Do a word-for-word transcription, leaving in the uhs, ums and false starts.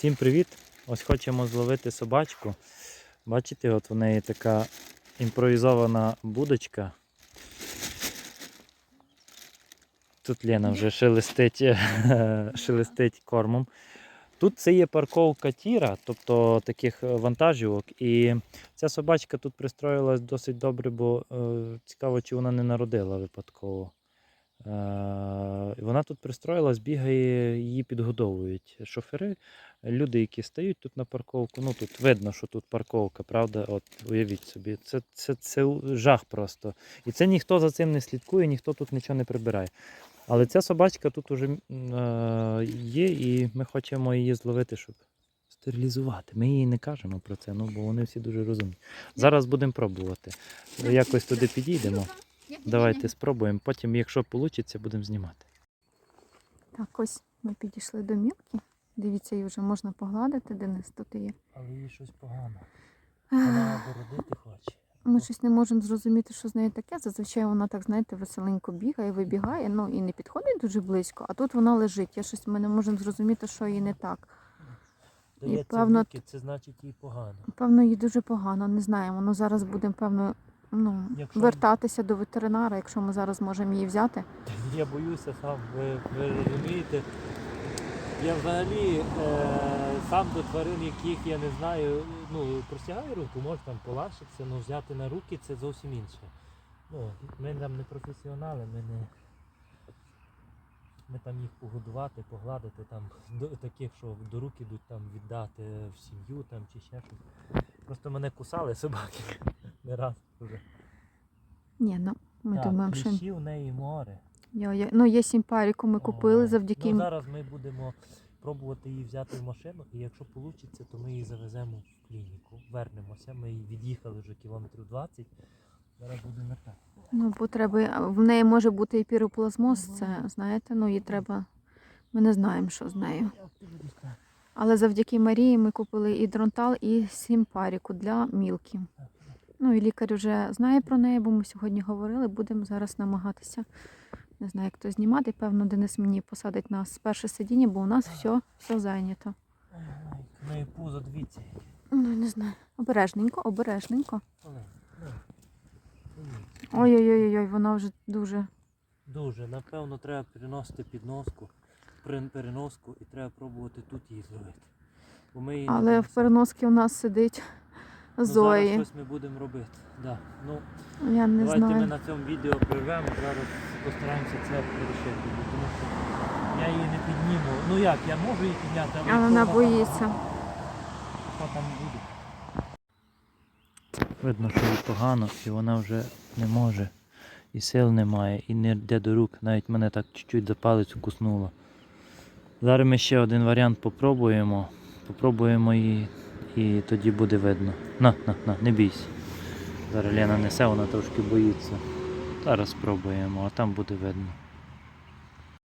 Всім привіт! Ось хочемо зловити собачку. Бачите, от в неї така імпровізована будочка. Тут Лена вже шелестить, шелестить кормом. Тут це є парковка тіра, тобто таких вантажівок. І ця собачка тут пристроїлась досить добре, бо е, цікаво, чи вона не народила випадково. Е, вона тут пристроїлась, бігає, її підгодовують шофери, люди, які стають тут на парковку. Ну тут видно, що тут парковка, правда? От уявіть собі, це, це, це жах просто. І це ніхто за цим не слідкує, ніхто тут нічого не прибирає. Але ця собачка тут уже е, є, і ми хочемо її зловити, щоб стерилізувати. Ми їй не кажемо про це, ну, бо вони всі дуже розумні. Зараз будемо пробувати. Якось туди підійдемо. Давайте спробуємо, потім, якщо вийде, будемо знімати. Так, ось ми підійшли до Мілки. Дивіться, її вже можна погладити, Денис тут є. Але їй щось погано. Вона бородити хоче. Ми щось не можемо зрозуміти, що з нею таке. Зазвичай вона так, знаєте, веселенько бігає, вибігає, ну і не підходить дуже близько, а тут вона лежить. Я щось, ми не можемо зрозуміти, що їй не так. Дається І, певно, руки, це значить їй погано. Певно, їй дуже погано, не знаємо. Ну, зараз будемо, певно, ну, Якщо... вертатися до ветеринара, якщо ми зараз можемо її взяти. Я боюся сам, ви, ви розумієте. Я взагалі е, сам до тварин, яких я не знаю, ну, простягаю руку, може там полашитися, але взяти на руки це зовсім інше. Ну, ми там не професіонали, ми не... Ми там їх погодувати, погладити, там, до, таких, що до рук ідуть там, віддати в сім'ю там, чи ще щось. Просто мене кусали собаки не раз вже. Ні, ну, ми так, думаємо, що... кліщі в неї море. Я, я... Ну, є сімпаріку, ми купили О, завдяки... Ну, зараз ми будемо пробувати її взяти в машину, і якщо вийде, то ми її завеземо в клініку. Вернемося, ми її від'їхали вже кілометрів двадцять, зараз будемо вертати. Ну, бо треба, в неї може бути і піроплазмоз, це, знаєте, ну, їй треба, ми не знаємо, що з нею. Але завдяки Марії ми купили і дронтал, і сімпаріку для Мілки. Ну, і лікар вже знає про неї, бо ми сьогодні говорили, будемо зараз намагатися, не знаю, як то знімати. Певно, Денис мені посадить нас з перше сидіння, бо у нас все, все зайнято. В неї пузо, дивіться. Ну, не знаю. Обережненько, обережненько. Ой-ой-ой, вона вже дуже... Дуже. Напевно, треба переносити підноску, переноску і треба пробувати тут її зловити. Бо ми її Але в переноски у нас сидить Зої. Ну, зараз щось ми будемо робити. Да. Ну, Я не давайте знаю. ми на цьому відео прервемо, зараз постараємося це вирішити. Тому що я її не підніму. Ну як, я можу її підняти, але... А вона боїться. Що там буде? Видно, що їй погано, і вона вже не може. І сил немає, і не йде до рук. Навіть мене так чуть-чуть за палець укуснуло. Зараз ми ще один варіант попробуємо. Попробуємо її, і тоді буде видно. На, на, на, не бійся. Зараз Лена несе, вона трошки боїться. Зараз спробуємо, а там буде видно.